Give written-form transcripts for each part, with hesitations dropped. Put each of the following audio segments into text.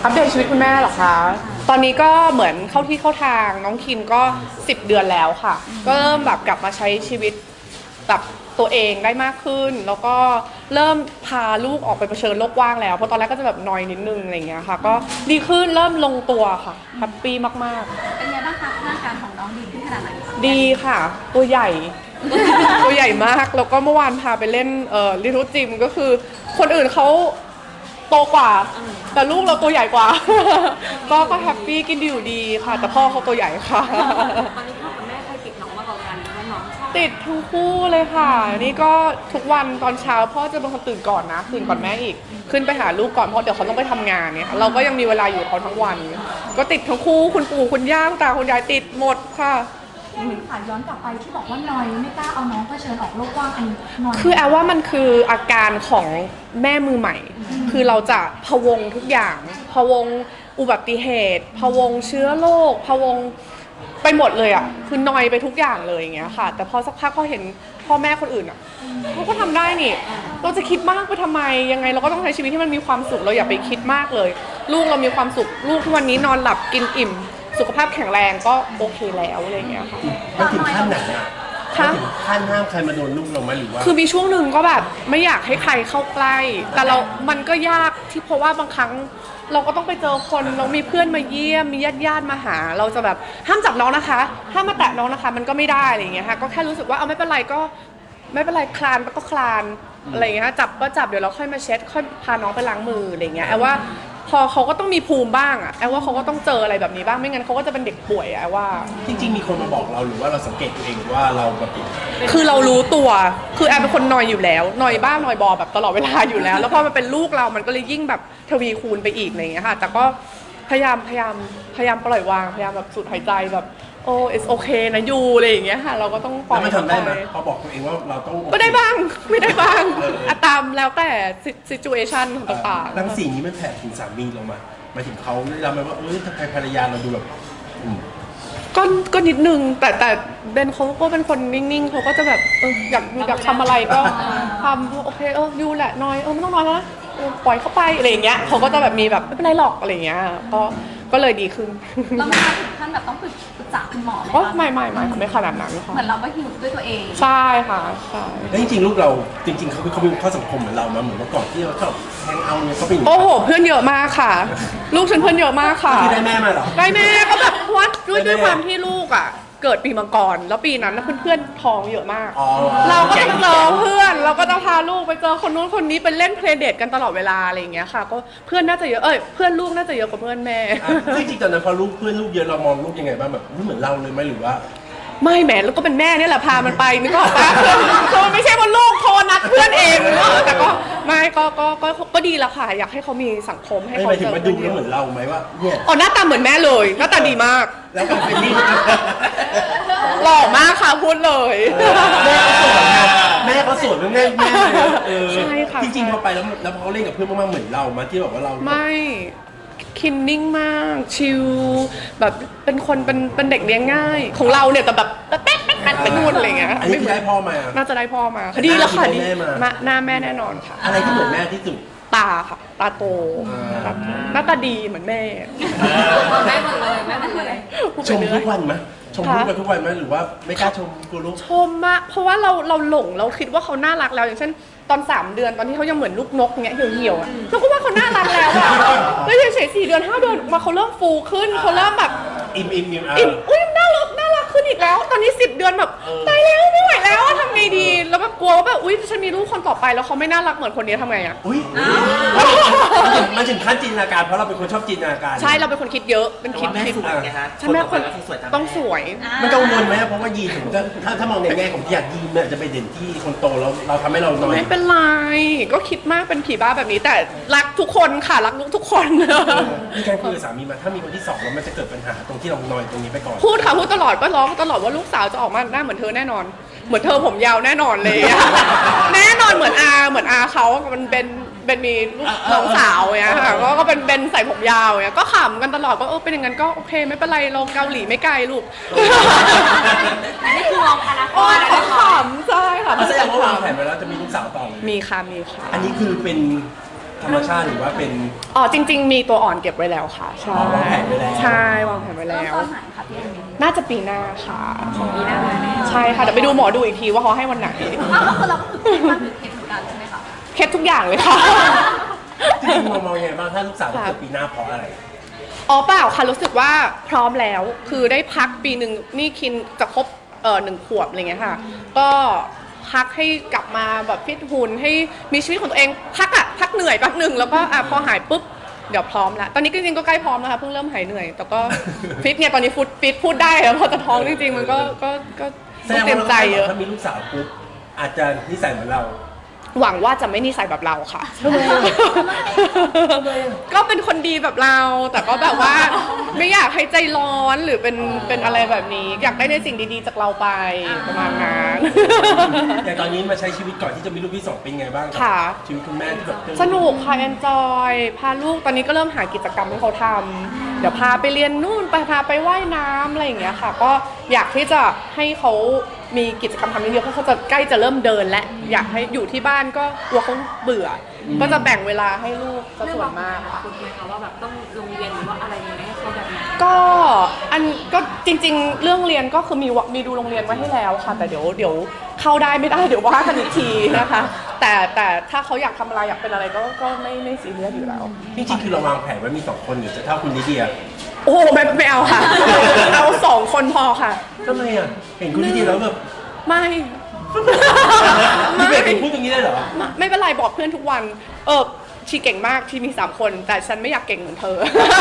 อัปเดตชีวิตคุณแม่เหรอคะตอนนี้ก็เหมือนเข้าที่เข้าทางน้องคินก็10 เดือนแล้วค่ะก็เริ่มแบบกลับมาใช้ชีวิตแบบตัวเองได้มากขึ้นแล้วก็เริ่มพาลูกออกไปเผชิญโลกกว้างแล้วเพราะตอนแรกก็จะแบบนอยนิดนึงอะไรเงี้ยค่ะก็ดีขึ้นเริ่มลงตัวค่ะแฮปปี้มากๆเป็นไงบ้างคะร่างกายของน้องดีขึ้นขนาดไหนดีค่ะตัวใหญ่ ตัวใหญ่มากแล้วก็เมื่อวานพาไปเล่นลิทูจิมก็คือคนอื่นเขาโตกว่าแต่ลูกเราตัวใหญ่กว่า ก็แฮปปี้กินดีอยู่ดีค่ะแต่พ่อเขาตัวใหญ่ค่ะตอนนี้พ่อกับแม่ใครติดน้องมากกว่ากันว่าน้องชอบติดทั้งคู่เลยค่ะนี่ก็ทุกวันตอนเช้าพ่อจะเป็นคนตื่นก่อนนะตื่นก่อนแม่อีกขึ้นไปหาลูกก่อนเพราะเดี๋ยวเขาต้องไปทำงานเนี่ยเราก็ยังมีเวลาอยู่กับเขาทั้งวันก็ติดทั้งคู่คุณปู่คุณย่าคุณตาคุณยายติดหมดค่ะค่ะย้อนกลับไปที่บอกว่านอยไม่กล้าเอาน้องเผชิญออกโลกกว้างอันนี้นอยคือแอลว่ามันคืออาการของแม่มือใหม่คือเราจะพะวงทุกอย่างพะวงอุบัติเหตุพะวงเชื้อโรคพะวงไปหมดเลยอ่ะคือนอยไปทุกอย่างเลยอย่างเงี้ยค่ะแต่พอสักพักพอเห็นพ่อแม่คนอื่นอ่ะเขาก็ทำได้นี่เราจะคิดมากไปทำไมยังไงเราก็ต้องใช้ชีวิตที่มันมีความสุขเราอย่าไปคิดมากเลยลูกเรามีความสุขลูกทุกวันนี้นอนหลับกินอิ่มสุขภาพแข็งแรงก็โอเคแล้วอะไรเงี้ยค่ะมันถึงขั้นไหนอ่ะถึงขั้นห้ามใครมาโดนลูกเราไหมหรือว่าคือมีช่วงหนึ่งก็แบบไม่อยากให้ใครเข้าใกล้แต่มันก็ยากที่เพราะว่าบางครั้งเราก็ต้องไปเจอคนเรามีเพื่อนมาเยี่ยมมีญาติมาหาเราจะแบบห้ามจับน้องนะคะห้ามมาแตะน้องนะคะมันก็ไม่ได้อะไรเงี้ยค่ะก็แค่รู้สึกว่าเอาไม่เป็นไรก็ไม่เป็นไรคลานก็คลานอะไรเงี้ยจับก็จับเดี๋ยวเราค่อยมาเช็ดค่อยพาน้องไปล้างมืออะไรเงี้ยว่าพอเขาก็ต้องมีภูมิบ้างอะแอลว่าเขาก็ต้องเจออะไรแบบนี้บ้างไม่งั้นเขาก็จะเป็นเด็กป่วยอะว่าจริงๆมีคนมาบอกเราหรือว่าเราสังเกตตัวเองว่าเราแบบคือเรารู้ตัวคือแอลเป็นคนนอยอยู่แล้วนอยบ้านอยบอแบบตลอดเวลาอยู่แล้วแล้วพอมันเป็นลูกเรามันก็เลยยิ่งแบบทวีคูณไปอีกอะไรอย่างเงี้ยค่ะแต่ก็พยายามปล่อยวางพยายามแบบสูดหายใจแบบโอ้ it's okay นะยูอะไรอย่างเงี้ยค่ะเราก็ต้องปล่อยแล้วมันทำได้ไหมพอบอกตัวเองว่าเราต้องก็ได้บ้างไม่ได้บ้างตามแล้วแต่ situation ต่างๆรังสีนี้มันแผ่ถึงสามีเรามาถึงเขาเราไหมว่าทำไมภรรยาเราดูแบบก็นิดนึงแต่เบนเขาก็เป็นคนนิ่งๆเขาก็จะแบบอยากทำอะไรก็ทำโอเคยูแหละน้อยไม่ต้องน้อยแล้วนะปล่อยเข้าไปอะไรอย่างเงี้ยเขาก็จะแบบมีแบบไม่เป็นไรหรอกอะไรอย่างเงี้ยก็เลยดีขึ้นเราไม่ถึงขั้นแบบต้องปรึกษาคุณหมอไหมไม่ขนาดนั้นค่ะเหมือนเราก็ฮิวด้วยตัวเองใช่ค่ะใช่แล้วจริงๆลูกเราจริงๆเขามีข้อสังคมเหมือนเรามาเหมือนเมื่อก่อนที่เราชอบแฮงเอาท์เนี่ยเขาเป็นโอ้โหเพื่อนเยอะมากค่ะลูกฉันเพื่อนเยอะมากค่ะคือได้แม่มาเหรอได้แม่ก็แบบวัดด้วยความที่ลูกอ่ะเกิดปีมังกรแล้วปีนั้นเพื่อนท้องเยอะมากเราก็จะเจอเพื่อนเราก็จะพาลูกไปเจอคนนู้นคนนี้ไปเล่นเพลย์เดทกันตลอดเวลาอะไรอย่างเงี้ยค่ะก็เพื่อนน่าจะเยอะเพื่อนลูกน่าจะเยอะกว่าเพื่อนแม่จริงๆตอนนั้นพอเพื่อนลูกเยอะเรามองลูกยังไงบ้างแบบเหมือนเราเลยไหมหรือว่าไม่แหมแล้วก็เป็นแม่เนี่ยแหละพามันไปนึกออกปะคือมันไม่ใช่ว่าลูกโทรนัดเพื่อนเองแต่ก็ไม่ก็ดีละค่ะอยากให้เขามีสังคมให้เขาเจอดูแล้วเหมือนเราไหมว่าเนี่ยหน้าตาเหมือนแม่เลยหน้าตาดีมากแล้วก็เป็นนี่หล่อมากค่ะพูดเลยแม่เขาสวยแม่ใช่ค่ะจริงๆพอไปแล้วเขาเล่นกับเพื่อนมากๆเหมือนเรามาที่แบบว่าเราไม่คินนิ่งมากชิลแบบเป็นคนเป็นเด็กเลี้ยงง่ายของเราเนี่ยแต่แบบแป๊ะเป็นนู่นอะไรเงี้ยอันนี้คือได้พ่อมาน่าจะได้พ่อมาดีแล้วค่ะดีหน้าแม่แน่นอนค่ะอะไรที่เหมือนแม่ที่สุดตาค่ะตาโตหน้าตาดีเหมือนแม่แม่หมดเลยชมทุกวันไหมชมลูกไปทุกวันไหมหรือว่าไม่กล้าชมกูลูกชมมากเพราะว่าเราหลงเราคิดว่าเขาน่ารักแล้วอย่างเช่นตอน3 เดือนตอนที่เขายังเหมือนลูกนกเงี้ยเหี่ยวๆเราก็ว่าเขาน่ารักแล้วอะแล้วเฉยๆ4 เดือน5 เดือนมาเขาเริ่มฟูขึ้นเขาเริ่มแบบอิ่มอุ้ยน่ารักขึ้นอีกแล้วตอนนี้10 เดือนแบบตายแล้วไม่ไหวแล้วทำไงดีแล้วแบบกลัวว่าแบบอุ้ยฉันมีลูกคนต่อไปแล้วเขาไม่น่ารักเหมือนคนนี้ทำไงอะมันถึงขั้นจินตนาการเพราะเราเป็นคนชอบจินตนาการใช่เราเป็นคนคิดเยอะเป็นคิดใช่แม่คนต้องสวยมันกังวลไหมเพราะว่ายีนถึงถ้ามองในแง่ของที่อยากยีนเนี่ยจะไปเด่นที่คนโตแล้วเราทำให้เราน้อยไม่เป็นไรก็คิดมากเป็นผีบ้าแบบนี้แต่รักทุกคนค่ะรักลูกทุกคนมีการคุยกับสามีมาถ้ามีคนที่2แล้วมันจะเกิดปัญหาตรงที่เรานอยตรงนี้ไปก่อนพูดค่ะพูดตลอดก็ร้องตลอดว่าลูกสาวจะออกมาหน้าเหมือนเธอแน่นอนเหมือนเธอผมยาวแน่นอนเลยแน่นอนเหมือนอาเขามันเป็นมีลูกน้องสาวเนี่ยค่ะก็เป็นใส่ผมยาวเนี่ยก็ขำกันตลอดก็เป็นอย่างนั้นก็โอเคไม่เป็นไรเราเกาหลีไม่ไกลลูกนี่คือมองอนาคตขำใช่ค่ะแสดงว่าวางแผนไว้แล้วจะมีลูกสาวต่อมีค่ะอันนี้คือเป็นธรรมชาติหรือว่าเป็นอ๋อจริง ๆ มีตัวอ่อนเก็บไว้แล้วค่ะใช่อ๋อวางแผนไว้แล้วใช่วางแผนไว้เริ่มแล้วตอนไหนคะพี่เอมี่น่าจะปีหน้าค่ะปีหน้าเลยใช่ค่ะเดี๋ยวไปดูหมอดูอีกทีว่าเขาให้วันไหนอ้าวก็คือเราก็คือตั้งถือเคสเหมือนกันใช่ไหมคะเคสทุกอย่างเลยค่ะจริงๆมองยังไงบ้างถ้าลูกสาวจะเกิดปีหน้าเพราะอะไรอ๋อเปล่าค่ะรู้สึกว่าพร้อมแล้วคือได้พักปีหนึ่งนี่คินจะครบ1 ขวบอะไรเงี้ยค่ะ ก็พักให้กลับมาแบบฟิตหุ่นให้มีชีวิตของตัวเองพักเหนื่อยแป๊บหนึ่งแล้วก็พอหายปุ๊บเดี๋ยวพร้อมแล้วตอนนี้จริงๆก็ใกล้พร้อมแล้วค่ะเพิ่งเริ่มหายเหนื่อยแต่ก็ฟิตเนี่ยตอนนี้ฟิตพูดได้แล้วพอจะท้องจริงๆมันก็แสต้ดอง งเตรียมใจเยอะถ้ามีลูกสาวปุ๊บอาจจะนิสัยเหมือนเราหวังว่าจะไม่นิสัยแบบเราค่ะ ก็เป็นคนดีแบบเรา แต่ก็แบบว่าไม่อยากให้ใจร้อนหรือเป็นอะไรแบบนี้ อยากได้ในสิ่งดีๆจากเราไปประมาณนั้นอย่างตอนนี้มาใช้ชีวิตก่อนที่จะมีลูกที่สองเป็นไงบ้างรับค่ะชีวิตคุณแม่ที่แบบสนุกค่ะเอนจอยพาลูกตอนนี้ก็เริ่มหากิจกรรมให้เขาทำเดี๋ยวพาไปเรียนนู่นพาไปว่ายน้ำอะไรอย่างเงี้ยค่ะ ก็อยากที่จะให้เขามีกิจกรรมทำเยอะๆเพราะเขาจะใกล้จะเริ่มเดินและอยากให้อยู่ที่บ้านก็กลัวเขาเบื่ออก็จะแบ่งเวลาให้ลูกซะส่วนมากค่ะคุณไหมคะว่าแบบต้องโรงเรียนหรือว่าอะไรยังไงให้เขาแบบไหนก็จริงๆ เรื่องเรียนก็คือมีดูโรงเรียนไว้ให้แล้วค่ะ แต่เดี๋ยวเข้าได้ไม่ได้เดี๋ยวว่ากันอีกทีนะคะ แต่ถ้าเขาอยากทำอะไรอยากเป็นอะไรก็ไม่ซีเรียสอยู่แล้วจริงๆคือเราวางแผนไว้มีสองคนหรือจะเท่าคุณลิเดียโอ้โหไม่เอาค่ะ เอา2 คนพอค่ะทำไมอ่ะเห็นคุณลิเดียแล้วแบบไม่พี่เบสเป็นพูดอย่างนี้ได้เหรอไม่เป็นไรบอกเพื่อนทุกวันชีเก่งมากชีมี3 คน แต่ฉันไม่อยากเก่งเหมือนเธอ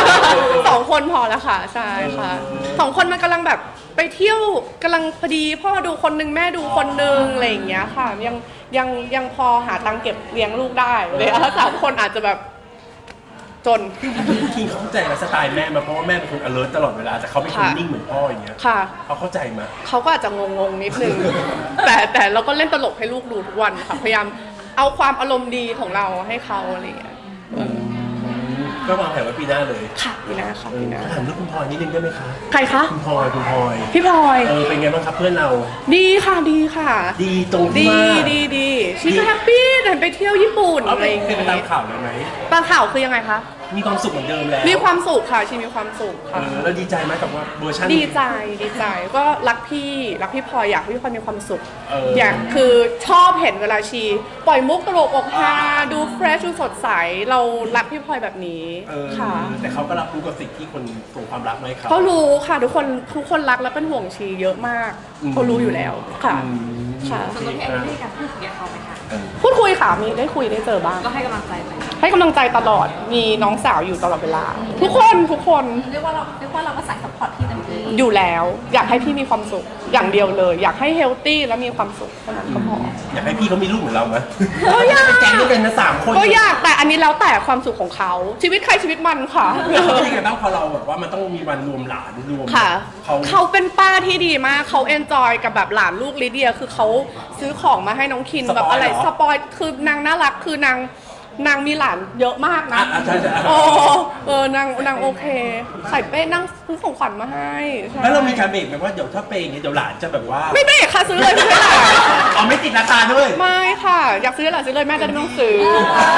2 คนพอแล้วค่ะใช่ค่ะ2 คนมันกำลังแบบไปเที่ยวกำลังพอดีพ่อดูคนนึงแม่ดูคนนึงอะไรอย่างเงี้ยค่ะยังพอหาตังค์เก็บเลี้ยงลูกได้เลยถ้า3 คนอาจจะแบบจนคิงเขาเข้าใจกับสไตล์แม่มาเพราะว่าแม่เป็นคน alert ตลอดเวลาแต่เขาเป็นคนค่ะนิ่งเหมือนพ่ออย่างเงี้ยค่ะเขาเข้าใจมาเขาก็อาจจะงงๆนิดนึง แต่เราก็เล่นตลกให้ลูกดูทุกวันค่ะพยายามเอาความอารมณ์ดีของเราให้เขาอะไรอย่างเงี้ยก็วางแผนไว้ปีหน้าเลยค่ะพี่นาค่ะพี่นาถามเรื่องคุณพลอยนิดนึงได้ไหมคะใครคะคุณพลอยพี่พลอยเป็นไงบ้างครับเพื่อนเราดีค่ะดีค่ะดีตรงที่ดีว่าดีชีก็แฮปปี้เดินไปเที่ยวญี่ปุ่นเอาอะไปไรอย่างเป็นเงี้ไปตามยข่าวเลยไหมตามข่าวคือยังไงคะมีความสุขเหมือนเดิมแล้วมีความสุขค่ะชีมีความสุขค่ะแล้วดีใจไหมกับว่าเวอร์ชันดีใจก็รักพี่พลอยอยากให้พี่พลอยมีความสุขอยากคือชอบเห็นเวลาชีปล่อยมุกตลกอกฮาดูเฟรชดูสดใสเรารักพี่พลอยแบบนี้ค่ะแต่เขาก็รับรู้กับสิ่งที่คนส่งความรักมาให้เขาเขารู้ค่ะทุกคนรักและเป็นห่วงชีเยอะมากเขารู้อยู่แล้วค่ะค่ะส่วนตัวพี่เอมี่ได้การพูดคุยกับเขาไหมคะพูดคุยค่ะมีได้คุยได้เจอบ้างก็ให้กำลังใจไปให้กำลังใจตลอดมีน้องสาวอยู่ตลอดเวลา ทุกคนเรียกว่าเราก็ใส่ซัพพอร์ตที่เต็มที่อยู่แล้ว อยากให้พี่มีความสุขอย่างเดียวเลย อยากให้เฮลตี้และมีความสุขเท่านั้นก็พออยากให้พี่เขามีลูกเหมือนเราไหมก็อยากเป็นแก๊งด้วยกันนะ3 คนก็อยากแต่อันนี้แล้วแต่ความสุขของเขาชีวิตใครชีวิตมันค่ะเป็นยังไงบ้างพอเราแบบว่ามันต้องมีวันรวมหลานรวมค่ะเขาเขาเป็นป้าที่ดีมากเขาเอนจอยกับแบบหลานลูกลิเดียคือเขาซื้อของมาให้น้องคินแบบอะไรสปอยคือนางน่ารักคือนางมีหลานเยอะมากนะใช่นางโอเคใส่เป้นั่งซื้อของขวัญมาให้ใช่แล้วเรามีการเบรกไหมว่าเดี๋ยวถ้าเป็นอย่างนี้เดี๋ยวหลานจะแบบว่าไม่เบรกค่ะซื้อเลยไม่เป็นไรอ๋อไม่ติดราคาด้วยไม่ค่ะ อยากซื้อหลานซื้อเลยแม่จะได้ไม่ต้องซื้อ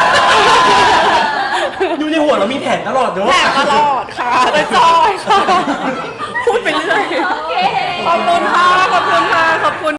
อยู่ในหัวเรามีแผนตลอดเนอะแผลตลอดค่ะแต่จอยค่ะ พูดไปเรื่อยโอเคขอบคุณค่ะขอบคุณ